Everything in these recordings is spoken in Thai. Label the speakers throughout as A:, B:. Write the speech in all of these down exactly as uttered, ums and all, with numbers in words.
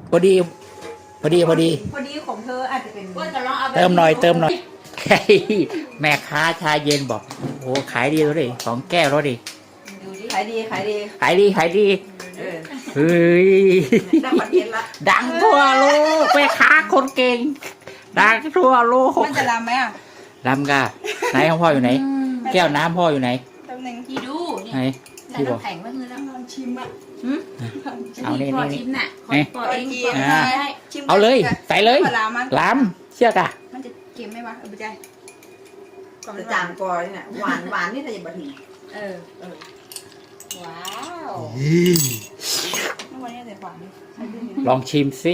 A: พอดีพอดีพอดี
B: พอดีของเธออาจจะเป็น
A: เติมหน่อยเติมหน่อยแม่ค้าชาเย็นบอกโอ้ขายดีแล้วดิสองแก้วแล้วดิ
B: ขายดีขายดี
A: ขายดีขายดีเฮ้ยดังทั่วโลกแม่ค้าคนเก่งดังทั่วโลก
B: มันจะรำไหมอ่ะ
A: รำกะไหนของพ่ออยู่ไหนแก้วน้ำพ่ออยู่ไหน
B: ตำแหน่งที่ดู
A: ไหนที่บอก
B: แข็งว่าเงินแล้วลองชิมอ่ะ
A: เอานี่นี่นี่
B: ปอเอง
A: เอาเลยใส่เลยล้ำเชื่อกะ
B: มันจะเค็มไหมวะเออไม่ใช่
C: จะจางกอเนี่ยหวานหวานนี่ถ้าอย่าบะหมี่
B: เออเออว้าวเมื่อวันนี้ใส่หวาน
A: ลองชิมสิ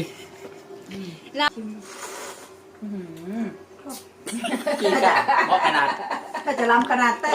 C: กี่กะ
A: เพราะขนาด
C: ถ้าจะล้ำขนาดเต้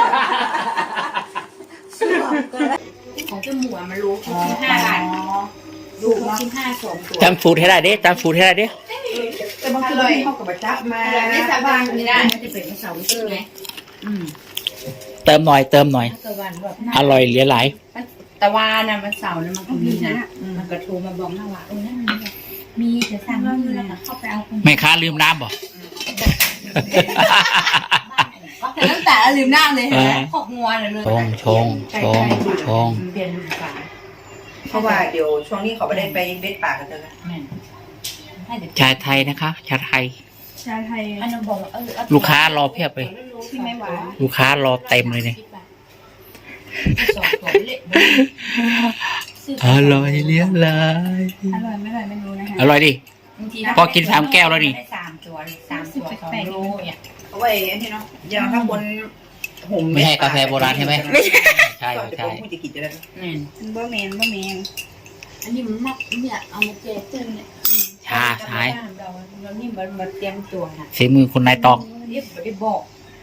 B: ของเจ้าหมูมันรู้ชิ้นห้าบาทดูชิ้นห้าสองตัว
A: จำสูตรให้ได้ดิจำสูตรให้ได้ดิ
C: แต่บางทีเข้ากับบัตรจับมา
B: ไม่สบายไม่ได้มันจะเป็นเสาใช่ไหม
A: เติมหน่อยเติมหน่อยอร่อยเหลือหลาย
B: ตะวันน่ะมันเสาร์น่ะมันก็มีนะมันก็โทรมาบอกนะว่าเออนั่นมีจะสั่งมีแล้วเข้าไปเอา
A: แม่ค้าลืมน้ำบ่
B: แต่ตั้งแต่ลืมน้ำเลยนะขอบงัวเลย
A: ชงชงชงชง
B: เปลี่ยนฝา
C: เพราะว่าเดี๋ยวช่วงนี้เขาไม่ได้ไปเบ็ดป่ากันเลย
A: ชาไทยนะคะชาไทย
B: ชาไทย
A: ลูกค้ารอเพียบเลยลูกค้ารอเต็มเลยเนี่ยอร่อยเลี้ยงเลย
B: อร่อยไม่อร่อยไม่รู้นะคะ
A: อร่อยดิพอกินสามแก้วแล้วนี่
B: สามตัวสามตัวสองโลเนี่ย
C: เอาไว้อันนี้เนาะอย่างถ้าคน
A: หุ่มไม่ใช่กาแฟโบราณใช่ไหม
C: ไม่ใช่
A: ใช่ใช่
C: ผู้จะกินจะได้
B: บะเมนบะเมนอันนี้มันนักเนี่ยเอามาเจตื้นเนี่ย
A: ชาใช่
B: เราเรานี่มันมาเตรียมตัวนะ
A: ฝีมือคุณนายตอก
B: เรียบไปบอก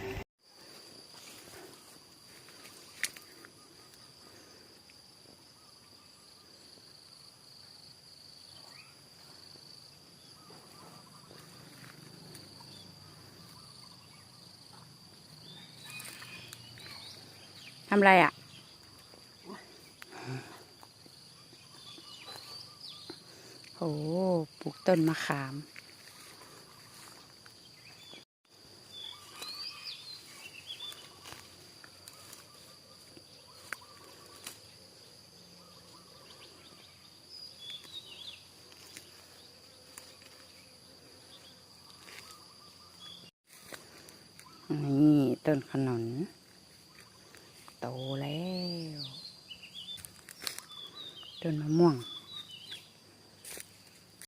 B: ทำไรอ่ะโอ้ปลูกต้นมะขามนี่ต้นขนุนโตแล้วต้นมะม่วง